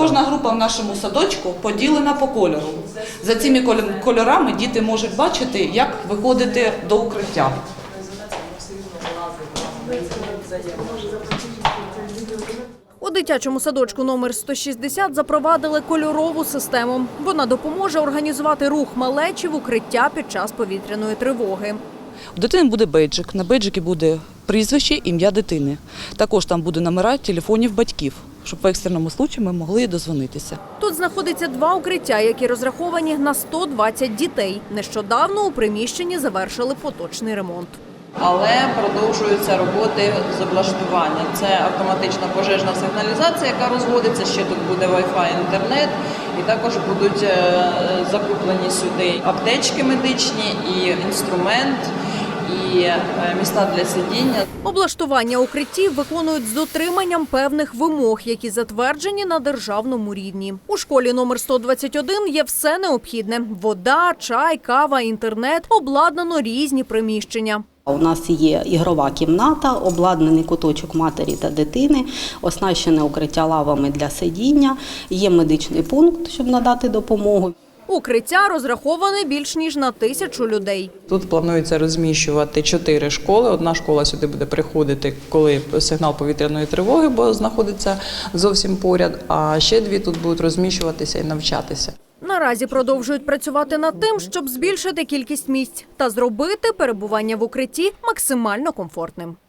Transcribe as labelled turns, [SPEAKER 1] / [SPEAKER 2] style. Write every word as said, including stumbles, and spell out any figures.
[SPEAKER 1] Кожна група в нашому садочку поділена по кольору. За цими кольорами діти можуть бачити, як виходити до укриття.
[SPEAKER 2] У дитячому садочку номер сто шістдесят запровадили кольорову систему. Вона допоможе організувати рух малечі в укриття під час повітряної тривоги.
[SPEAKER 1] У дитини буде бейджик. На бейджикі буде прізвище, ім'я дитини. Також там буде номера телефонів батьків, щоб в екстреному випадку ми могли дозвонитися.
[SPEAKER 2] Тут знаходиться два укриття, які розраховані на сто двадцять дітей. Нещодавно у приміщенні завершили поточний ремонт.
[SPEAKER 3] Але продовжуються роботи з облаштування. Це автоматична пожежна сигналізація, яка розводиться, ще тут буде Wi-Fi, інтернет, і також будуть закуплені сюди аптечки медичні, і інструмент, і місця для сидіння.
[SPEAKER 2] Облаштування укриттів виконують з дотриманням певних вимог, які затверджені на державному рівні. У школі номер сто двадцять один є все необхідне – вода, чай, кава, інтернет, обладнано різні приміщення.
[SPEAKER 4] У нас є ігрова кімната, обладнаний куточок матері та дитини, оснащене укриття лавами для сидіння, є медичний пункт, щоб надати допомогу.
[SPEAKER 2] Укриття розраховане більш ніж на тисячу людей.
[SPEAKER 3] Тут планується розміщувати чотири школи. Одна школа сюди буде приходити, коли сигнал повітряної тривоги, бо знаходиться зовсім поряд, а ще дві тут будуть розміщуватися і навчатися.
[SPEAKER 2] Наразі продовжують працювати над тим, щоб збільшити кількість місць та зробити перебування в укритті максимально комфортним.